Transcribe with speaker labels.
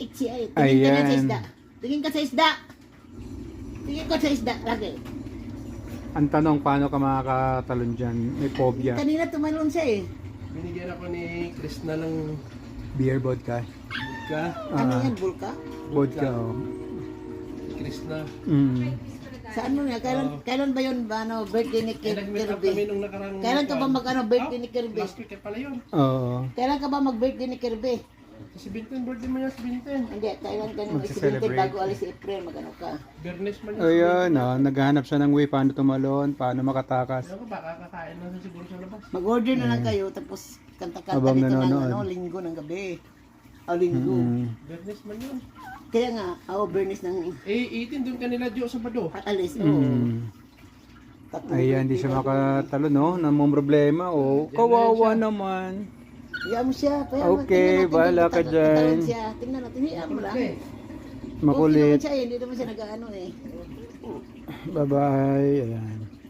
Speaker 1: Iksi ay. Tingin ka na sa
Speaker 2: Ayan.
Speaker 1: isda. Tingin ka sa isda. Tingin ko sa isda lagi.
Speaker 2: Ang tanong, paano ka makakatalon dyan? May phobia.
Speaker 1: Kanina tumalon siya eh.
Speaker 3: Binigyan ako ni Chris na ng
Speaker 2: Beer vodka.
Speaker 3: ka.
Speaker 1: Ano
Speaker 2: Ah,
Speaker 1: yan, Bulka?
Speaker 2: vodka, oh.
Speaker 3: Chris na.
Speaker 1: Saan mo nga? Kailan ba yun ba, ano, birthday ni
Speaker 3: Nag-meet up kami
Speaker 1: Kirby?
Speaker 3: nung nakarang...
Speaker 1: Kailan ka ba birthday ni Kirby?
Speaker 3: Last week pala yun.
Speaker 2: Oo.
Speaker 1: Kailan ka ba mag-birthday ni Kirby?
Speaker 3: Si Binten, birthday mo yan si Binten.
Speaker 1: Hindi, kailan ka nung
Speaker 2: Magse-celebrate.
Speaker 1: bago alis si April, magano ka?
Speaker 3: Bernes man yun.
Speaker 2: Ayun, naghahanap siya ng way paano tumalon, paano makatakas.
Speaker 3: Ewan ko, baka kakain lang siya siguro sa labas.
Speaker 1: Mag-order na lang kayo, tapos kanta-kanta
Speaker 2: Habang
Speaker 1: dito ng
Speaker 2: nanonood.
Speaker 1: ano, linggo ng gabi. O, linggo.
Speaker 3: Bernes man yun.
Speaker 1: Kaya nga, Bernis ng
Speaker 3: Eh, 18 doon kanila Jo sa Bado.
Speaker 1: alis. Oo. Tatlong
Speaker 2: Ayan, hindi siya makatalon, no? Namang problema, oh. Kawawa naman.
Speaker 1: Iyan mo siya. Kaya
Speaker 2: Okay, bahala ka dyan.
Speaker 1: Tingnan natin, iyan mo lang.
Speaker 2: Makulit.
Speaker 1: Okay naman siya eh, hindi naman siya nag-ano eh.
Speaker 2: Bye-bye. Ayan.